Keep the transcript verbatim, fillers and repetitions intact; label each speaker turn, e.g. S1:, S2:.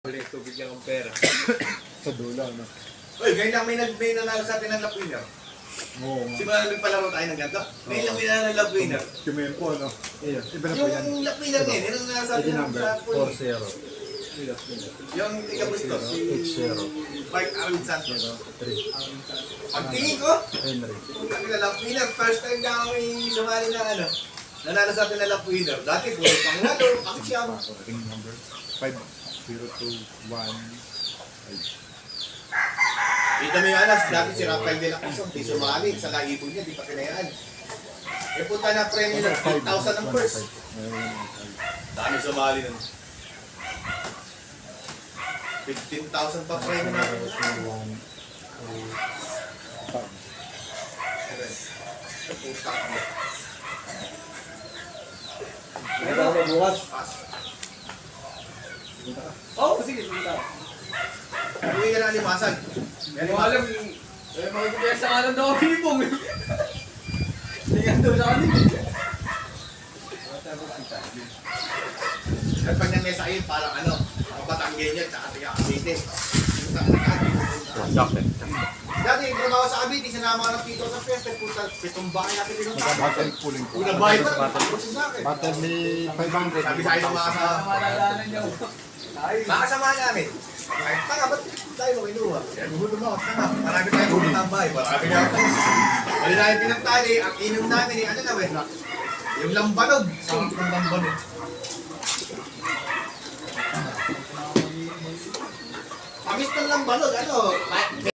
S1: Ulit tubig lang ang pera.
S2: Sa dulo, no?
S3: Uy, ngayon lang may, nag- may nanalo sa atin ng lap winner.
S2: Oo.
S3: Si ba nagpalaro tayo ng ganito? Ngayon lang may nanalo ng lap winner.
S2: Kumempo, no?
S1: Iya.
S2: Iba na po yan.
S3: Yung lap winner ngayon, yun ang nanalo sa
S2: Ito
S3: atin ng
S2: number,
S3: sa
S1: four
S3: pool.
S1: zero.
S3: Yung tiga Bustos.
S1: eight zero.
S3: Mark Arwin Santos.
S1: three.
S3: Pagtingin ko,
S1: Henry.
S3: putang ina lap winner. First time na ako may sumali na ano. Nanalo sa atin ng lap winner. Dati puro pangalo, pang siyam.
S2: Ring number five zero two one five.
S3: Kita mo yung anas, dati si Rafael de la Quezon, di sumali. Sa laibon niya, di pa kinayaan. E punta na premyo ng eight thousand ang first. Dami sumali nun. fifteen thousand pa premyo natin. Putak mo.
S1: Ano ba bukas?
S3: Pass.
S1: Oo, sige, sige.
S3: Uwi ka na alimasag.
S1: Hindi ko alam, eh, magkikita sa kanan daw ang ibong. Tingnan daw sa kanin.
S3: At pag nangyay sa iyo, parang ano, mga Batanggay niya, tsaka tiga Cavite. Dati, yung trabaho sa Cavite, sinama ng tito sa fiesta, puta, pitong bahay natin din.
S2: Battle pulling po.
S3: Unang bahay pa, tapos sa akin.
S2: Battle may five hundred.
S3: Sabi sa akin ng mga kasama.
S1: Malalanan niya.
S3: Mga kasama namin. Ay, tanga, ba't tayo mo kinuha? Kaya gugutom ako, tanga. Marami tayo pumunta ang bahay. Marami na ako. Wala namin pinagtali, ang inom namin, eh, ano na, weh, yung lambanog. Sa ng lambanog. Tamis ng lambanog, ano?